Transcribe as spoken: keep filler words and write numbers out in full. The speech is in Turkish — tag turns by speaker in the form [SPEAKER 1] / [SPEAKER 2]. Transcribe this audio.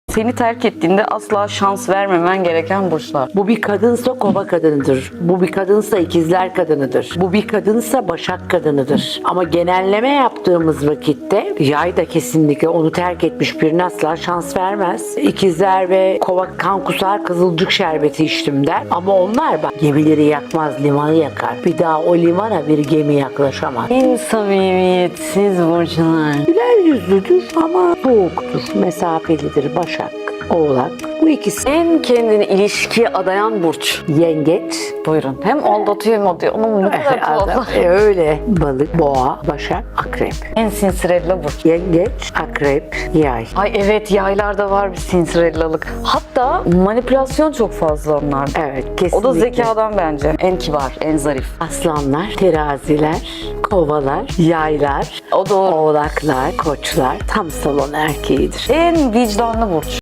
[SPEAKER 1] Seni terk ettiğinde asla şans vermemen gereken burçlar.
[SPEAKER 2] Bu bir kadınsa kova kadınıdır. Bu bir kadınsa ikizler kadınıdır. Bu bir kadınsa başak kadınıdır. Ama genelleme yaptığımız vakitte yay da kesinlikle onu terk etmiş birine asla şans vermez. İkizler ve kova kan kusar, kızılcık şerbeti içtim der. Ama onlar bak gemileri yakmaz, limanı yakar. Bir daha o limana bir gemi yaklaşamaz.
[SPEAKER 1] En samimiyetsiz burçlar.
[SPEAKER 2] Güler yüzlüdür ama soğuktur, mesafelidir. Başak, Oğlak. Bu ikisi
[SPEAKER 1] En kendini ilişkiye adayan burç.
[SPEAKER 2] yengeç.
[SPEAKER 1] Buyurun. Hem aldatıyor hem atıyor. Onun ne kadar
[SPEAKER 2] Adam,
[SPEAKER 1] tuhaf.
[SPEAKER 2] e, öyle. Balık, boğa, başak, akrep.
[SPEAKER 1] En sinsirella burç.
[SPEAKER 2] Yengeç, akrep, yay.
[SPEAKER 1] Ay evet, yaylarda var bir sinsirellalık. Hatta manipülasyon çok fazla onlarda.
[SPEAKER 2] Evet,
[SPEAKER 1] O
[SPEAKER 2] kesinlikle.
[SPEAKER 1] da zekadan bence. En kibar, en zarif.
[SPEAKER 2] Aslanlar, teraziler, kovalar, yaylar,
[SPEAKER 1] O da o.
[SPEAKER 2] oğlaklar, koçlar tam salon erkeğidir.
[SPEAKER 1] En vicdanlı burç.